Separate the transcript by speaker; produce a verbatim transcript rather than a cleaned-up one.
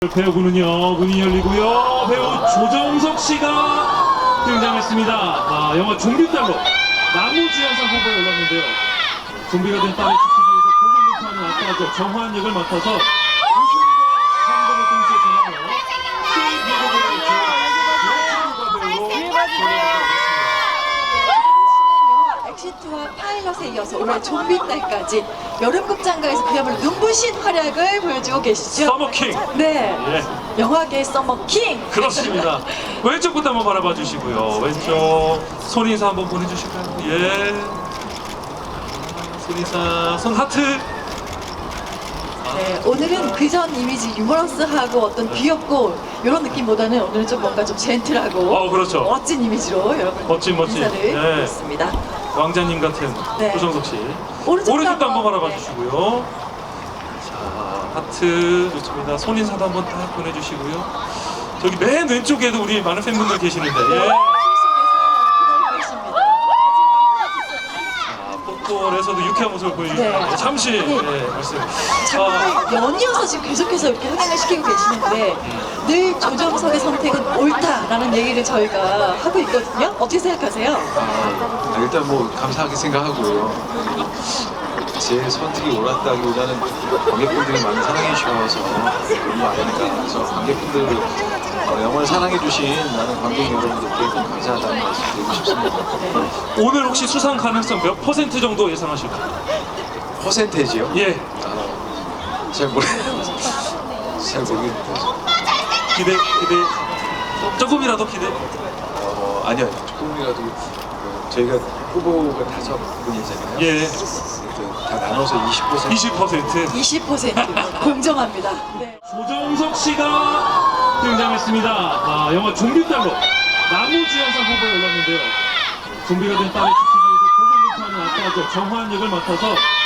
Speaker 1: 배우군은요, 문이 열리고요. 배우 조정석 씨가 등장했습니다. 아, 영화 좀비딸로 나무주연상 후보에 올랐는데요. 좀비가 된 딸을 지키기 위해서 고군분투하는 아빠죠. 정화한 역을 맡아서 웃음과 감동을 동시에 전하며
Speaker 2: 엑시트와 파일럿에 이어서 올해 좀비딸까지 여름극장가에서 그야말로 눈부신 활약을 보여주고 계시죠.
Speaker 1: 서머킹!
Speaker 2: 네,
Speaker 1: 예.
Speaker 2: 영화계 서머킹!
Speaker 1: 그렇습니다. 왼쪽부터 한번 바라봐 주시고요. 왼쪽 손 인사 한번 보내주실까요? 예. 손 인사, 손 하트.
Speaker 2: 네, 오늘은 그전 이미지 유머러스하고 어떤 귀엽고 이런 느낌보다는 오늘은 좀 뭔가 좀 젠틀하고
Speaker 1: 어, 그렇죠.
Speaker 2: 멋진 이미지로 여러분
Speaker 1: 멋진, 멋진.
Speaker 2: 인사를
Speaker 1: 네.
Speaker 2: 드렸습니다.
Speaker 1: 왕자님 같은
Speaker 2: 네.
Speaker 1: 조정석 씨.
Speaker 2: 오른쪽도
Speaker 1: 오른쪽도 한번
Speaker 2: 한번,
Speaker 1: 바라봐
Speaker 2: 네.
Speaker 1: 주시고요. 자, 하트 좋습니다. 손 인사도 한번 딱 보내주시고요. 저기 맨 왼쪽에도 우리 많은 팬분들 계시는데. 예.
Speaker 2: 실속에서 기다리고 계십니다.
Speaker 1: 자, 폭돌에서도 유쾌한 모습을 보여주시는데
Speaker 2: 네.
Speaker 1: 잠시
Speaker 2: 네.
Speaker 1: 예, 말씀. 아,
Speaker 2: 정말 연이어서 지금 계속해서 이렇게 흥행을 시키고 계시는데 늘 조정석의 선택은 옳다라는 얘기를 저희가 하고 있거든요. 어떻게 생각하세요?
Speaker 3: 아, 일단 뭐 감사하게 생각하고요. 제 선택이 옳았다기보다는 관객분들이 많이 사랑해 주셔서 그런 거 아닐까. 그래서 관객분들 어, 영화를 사랑해 주신 많은 관객 여러분들께 좀 감사하다는 말씀 드리고 싶습니다.
Speaker 1: 오늘 혹시 수상 가능성 몇 퍼센트 정도 예상하실까요?
Speaker 3: 퍼센테이지요?
Speaker 1: 예.
Speaker 3: 아, 잘 모르 잘 모르겠는데.
Speaker 1: 기대, 기대. 조금이라도 기대.
Speaker 3: 어, 아니요, 조금이라도 어, 저희가 후보가 다섯 분이잖아요.
Speaker 1: 예.
Speaker 3: 그래서 다 나눠서 이십 퍼센트.
Speaker 1: 이십 퍼센트.
Speaker 2: 이십 퍼센트 공정합니다. 네.
Speaker 1: 조정석 씨가 등장했습니다. 아, 영화 좀비딸로 나무주연상 후보에 올랐는데요. 좀비가 된 딸을 지키기 위해서 고군분투하는 아빠죠. 정화한 역을 맡아서